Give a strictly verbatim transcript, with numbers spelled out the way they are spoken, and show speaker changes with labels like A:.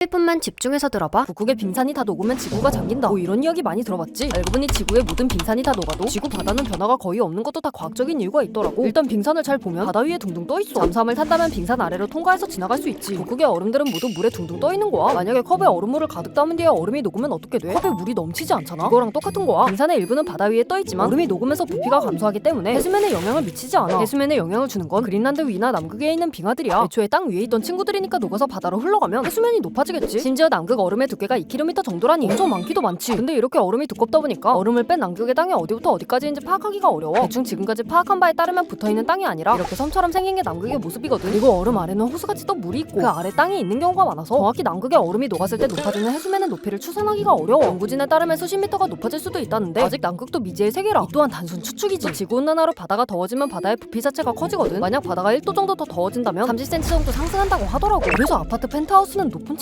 A: 일 분만 집중해서 들어봐. 북극의 빙산이 다 녹으면 지구가 잠긴다. 뭐 이런 이야기 많이 들어봤지? 알고 보니 지구의 모든 빙산이 다 녹아도 지구 바다는 변화가 거의 없는 것도 다 과학적인 이유가 있더라고. 일단 빙산을 잘 보면 바다 위에 둥둥 떠있어. 잠수함을 탄다면 빙산 아래로 통과해서 지나갈 수 있지. 북극의 얼음들은 모두 물에 둥둥 떠있는 거야. 만약에 컵에 얼음물을 가득 담은 뒤에 얼음이 녹으면 어떻게 돼? 컵에 물이 넘치지 않잖아? 그거랑 똑같은 거야. 빙산의 일부는 바다 위에 떠있지만 얼음이 녹으면서 부피가 감소하기 때문에 해수면에 영향을 미치지 않아. 해수면에 영향을 주는 건 그린란드 위나 남극에 있는 빙하들이야. 애초에 땅 위에 있던 친구들이니까 녹아서 바다로 흘러가면 해수면이 높아지겠지. 심지어 남극 얼음의 두께가 이 킬로미터 정도라니 엄청 많기도 많지. 근데 이렇게 얼음이 두껍다 보니까 얼음을 뺀 남극의 땅이 어디부터 어디까지인지 파악하기가 어려워. 대충 지금까지 파악한 바에 따르면 붙어있는 땅이 아니라 이렇게 섬처럼 생긴 게 남극의 모습이거든. 그리고 얼음 아래는 호수같이 또 물이 있고 그 아래 땅이 있는 경우가 많아서 정확히 남극의 얼음이 녹았을 때 높아지는 해수면의 높이를 추산하기가 어려워. 연구진에 따르면 수십 미터가 높아질 수도 있다는데 아직 남극도 미지의 세계라. 이 또한 단순 추측이지. 지구온난화로 바다가 더워지면 바다의 부피 자체가 커지거든. 만약 바다가 일 도 정도 더 더워진다면 삼십 센티미터 정도 상승한다고 하더라고. 그래서 아파트 펜트하우스는 높은